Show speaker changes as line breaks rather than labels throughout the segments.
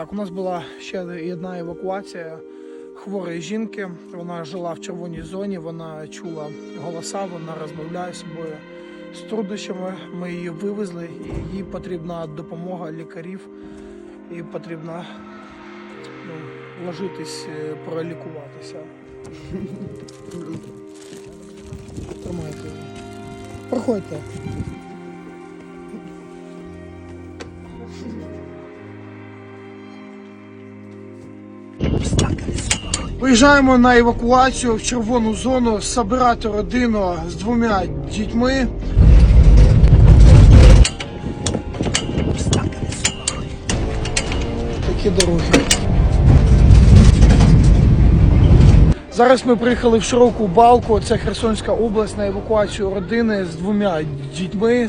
Так, у нас була ще одна евакуація хворої жінки. Вона жила в червоній зоні, вона чула голоса, вона розмовляє з собою з труднощами. Ми її вивезли, і їй потрібна допомога лікарів, і потрібно вложитись, пролікуватися. Тримайте. Проходьте. Виїжджаємо на евакуацію в червону зону, збирати родину з 2 дітьми. Такі дороги. Зараз ми приїхали в Широку Балку, це Херсонська область, на евакуацію родини з 2 дітьми.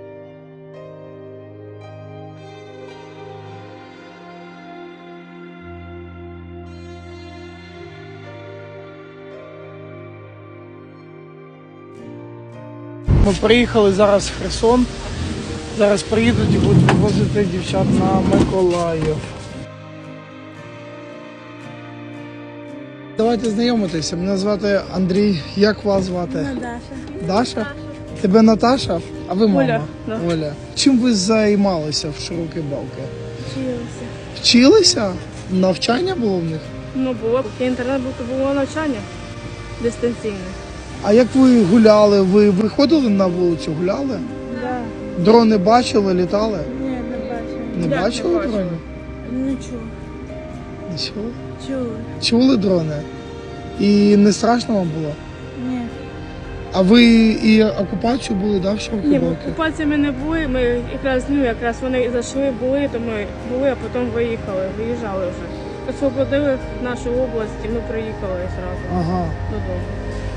Ми приїхали зараз в Херсон, зараз приїдуть і будуть вивозити дівчат на Миколаїв. Давайте знайомитися, мене звати Андрій, як вас звати?
Даша.
Даша? Тебе Наташа? А ви мама?
Оля. Да.
Оля. Чим ви займалися в Широкій Балці?
Вчилася.
Вчилися? Навчання було в них?
Ну, було. Поки інтернет був, то було навчання дистанційне.
А як ви гуляли? Ви виходили на вулицю, гуляли?
Да.
Дрони бачили, літали?
Ні, не бачила.
Не
Як
бачили
не бачила?
дронів?
Нічого.
Нічого.
Чули?
Чули дрони? І не страшно вам було?
Ні.
А ви і окупацію були, да, в Широкій
Ні,
Балці?
окупації ми не були. Ми якраз вони зайшли, були, то ми були, а потім виїжджали вже. Освободили нашу область і ми приїхали одразу
Ага.
додому.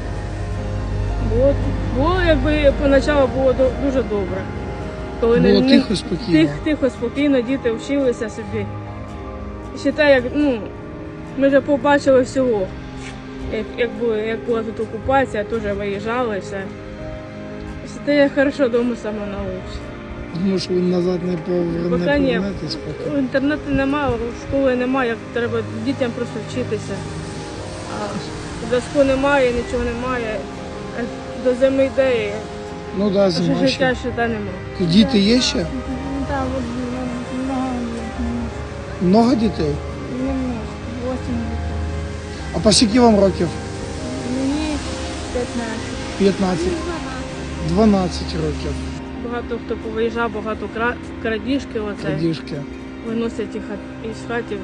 Було, якби поначалу було дуже добре. Коли
Було тихо, спокійно.
Тихо, спокійно, діти вчилися собі. Ще те, як, ми вже побачили всього. Як була тут окупація, теж виїжджали все. Ще те, як хорошо вдома саме научиться.
Тому що ви назад не повернетесь поки.
Інтернету немає, школи немає, треба дітям просто вчитися. А зв'язку немає, нічого немає. А до зими йде,
Ну да, зима
життя
ще.
ще немає.
Діти є ще?
Да, вот много
Много дітей?
немножко, 8 лет.
А по скільки вам років?
Мне 15.
15. 12 років.
Багато хто повиїжджав, багато крадіжки оце.
Крадіжки.
Виносять їх із хатів.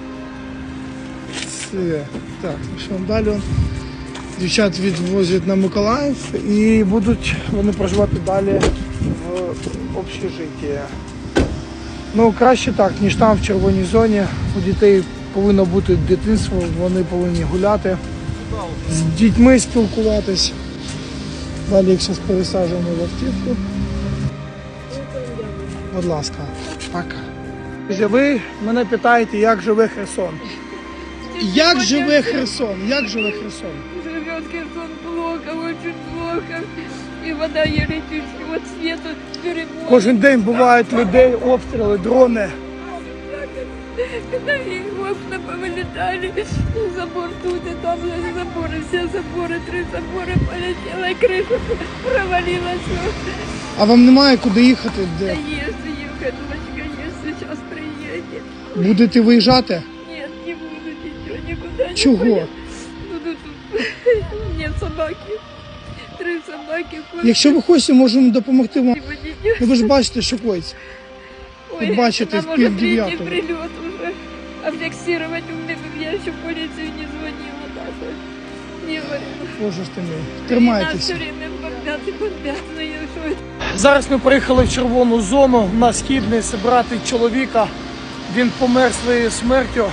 Все. Так, ну що, далі дівчат відвозять на Миколаїв і будуть вони проживати далі в общежитті. Ну, краще так, ніж там в червоній зоні. У дітей повинно бути дитинство, вони повинні гуляти, з дітьми спілкуватись. Далі їх зараз пересаджуємо в автівку. Будь ласка, пока. Ви мене питаєте, як живе Херсон. Як живе Херсон? Як живе Херсон?
Живет Херсон плохо, очень плохо. И вода еле чуть-чуть, вот свету перебор.
Кожен день бувають людей, обстріли, дрони.
Когда их окна повылетали, забор тут и там заборы, все заборы, 3 забора полетела, и крыша провалилась.
А вам немає куди їхати?
Да
Де?
если ехать, дочка, есть, сейчас приедет.
Будете виїжджати?
Нет, не буду ничего, никуда не
Чого?
поеду. Буду тут. Нет собаки. 3 собаки. кот.
Якщо ви хочете, можемо допомогти вам.
Водитель.
Ну ви ж бачите, що коїться.
Ой,
Тут бачите,
там
в
уже
8:30.
3-й прилет уже. А фиксировать у меня, я еще в полицию не звонила даже. Не говорила.
Боже ж ти мій.
Нас
Тримайтеся.
все время бомбят и бомбят. Ну, я что это?
Зараз ми приїхали в червону зону на Східний зібрати чоловіка. Він помер своєю смертю.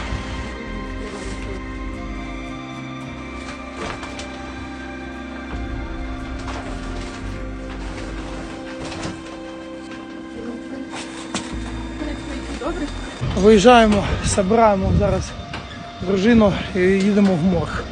Виїжджаємо, збираємо зараз дружину і їдемо в морг.